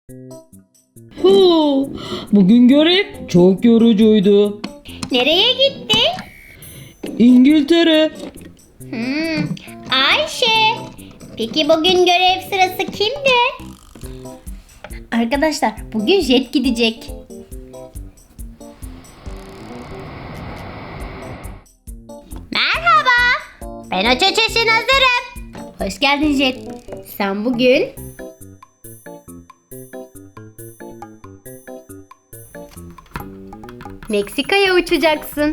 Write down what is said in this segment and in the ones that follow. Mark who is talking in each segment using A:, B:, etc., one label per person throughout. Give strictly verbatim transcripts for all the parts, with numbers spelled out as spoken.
A: Hu, bugün görev çok yorucuydu.
B: Nereye gitti?
A: İngiltere.
B: Hmm, Ayşe. Peki bugün görev sırası kimde? Arkadaşlar bugün Jet gidecek. Merhaba. Ben uçuş için hazırım. Hoş geldin Jet. Sen bugün Meksika'ya uçacaksın.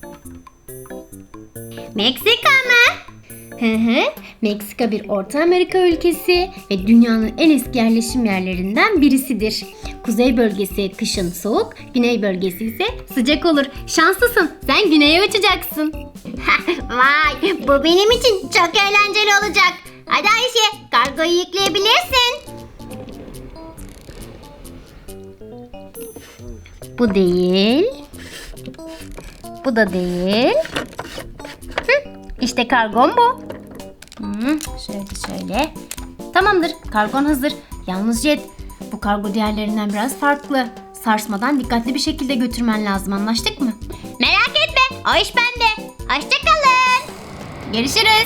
B: Meksika mı? Hı hı. Meksika bir Orta Amerika ülkesi ve dünyanın en eski yerleşim yerlerinden birisidir. Kuzey bölgesi kışın soğuk, güney bölgesi ise sıcak olur. Şanslısın. Sen güneye uçacaksın. Vay, bu benim için çok eğlenceli olacak. Hadi Ayşe, kargoyu yükleyebilirsin. Bu değil. Bu da değil. Hı, işte kargon bu. Hı, şöyle şöyle. Tamamdır, kargon hazır. Yalnız Jet, bu kargo diğerlerinden biraz farklı. Sarsmadan dikkatli bir şekilde götürmen lazım, anlaştık mı? Merak etme, o iş bende. Hoşçakalın. Görüşürüz.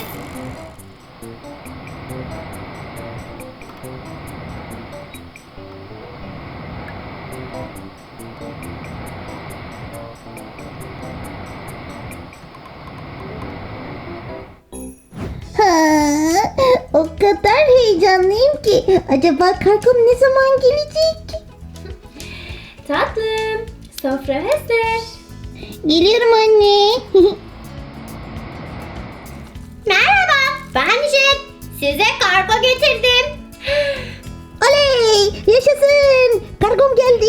C: Ha, o kadar heyecanlıyım ki. Acaba kargom ne zaman gelecek?
B: Tatlım, sofra hazır.
C: Geliyorum anne.
B: Merhaba, ben Jet. Size kargo getirdim.
C: Oley! Yaşasın! Kargom geldi.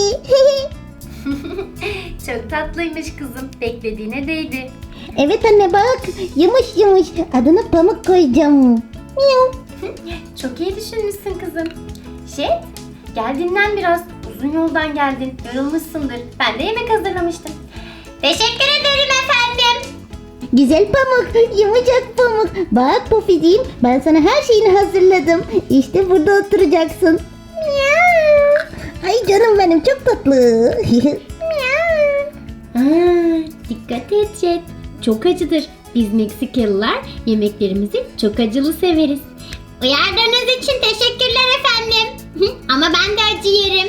B: Çok tatlıymış kızım. Beklediğine değdi.
C: Evet anne bak. Yumuş yumuş. Adını Pamuk koyacağım. Miyav.
B: Çok iyi düşünmüşsün kızım. Jet, gel dinlen biraz. Uzun yoldan geldin. Yorulmuşsundur. Ben de yemek hazırlamıştım. Teşekkür ederim efendim.
C: Güzel Pamuk. Yumuşak Pamuk. Bak Poficiğim, ben sana her şeyini hazırladım. İşte burada oturacaksın. Miyav. Ay canım benim, çok tatlı. Miyav.
B: Aa, dikkat et Jet. Çok acıdır. Biz Meksikalılar yemeklerimizi çok acılı severiz. Uyardığınız için teşekkürler efendim. Ama ben de acı yerim.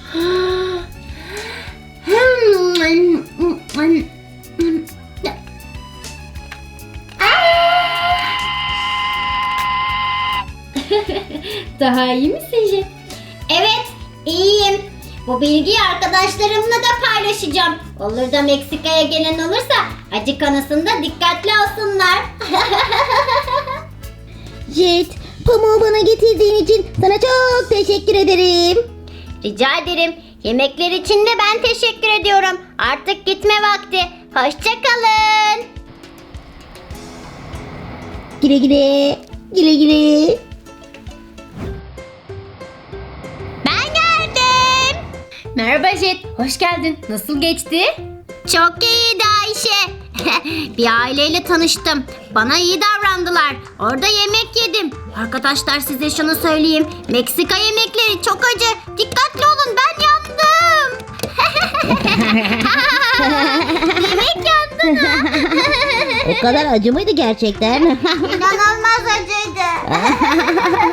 B: Daha iyi misin Jet? Evet, iyiyim. Bu bilgiyi arkadaşlarımla da paylaşacağım. Olur da Meksika'ya gelen olursa acı konusunda dikkatli olsunlar.
C: Jet, pamuğu bana getirdiğin için sana çok teşekkür ederim.
B: Rica ederim. Yemekler için de ben teşekkür ediyorum. Artık gitme vakti. Hoşça kalın.
C: Güle güle, güle güle.
B: Ben geldim. Merhaba Jet. Hoş geldin. Nasıl geçti? Çok iyiydi Ayşe. Bir aileyle tanıştım. Bana iyi davrandılar. Orada yemek yedim. Arkadaşlar size şunu söyleyeyim. Meksika yemekleri çok acı. Dikkatli olun, ben yandım. Yemek yandı da.
C: O kadar acı mıydı gerçekten?
B: İnanılmaz acıydı.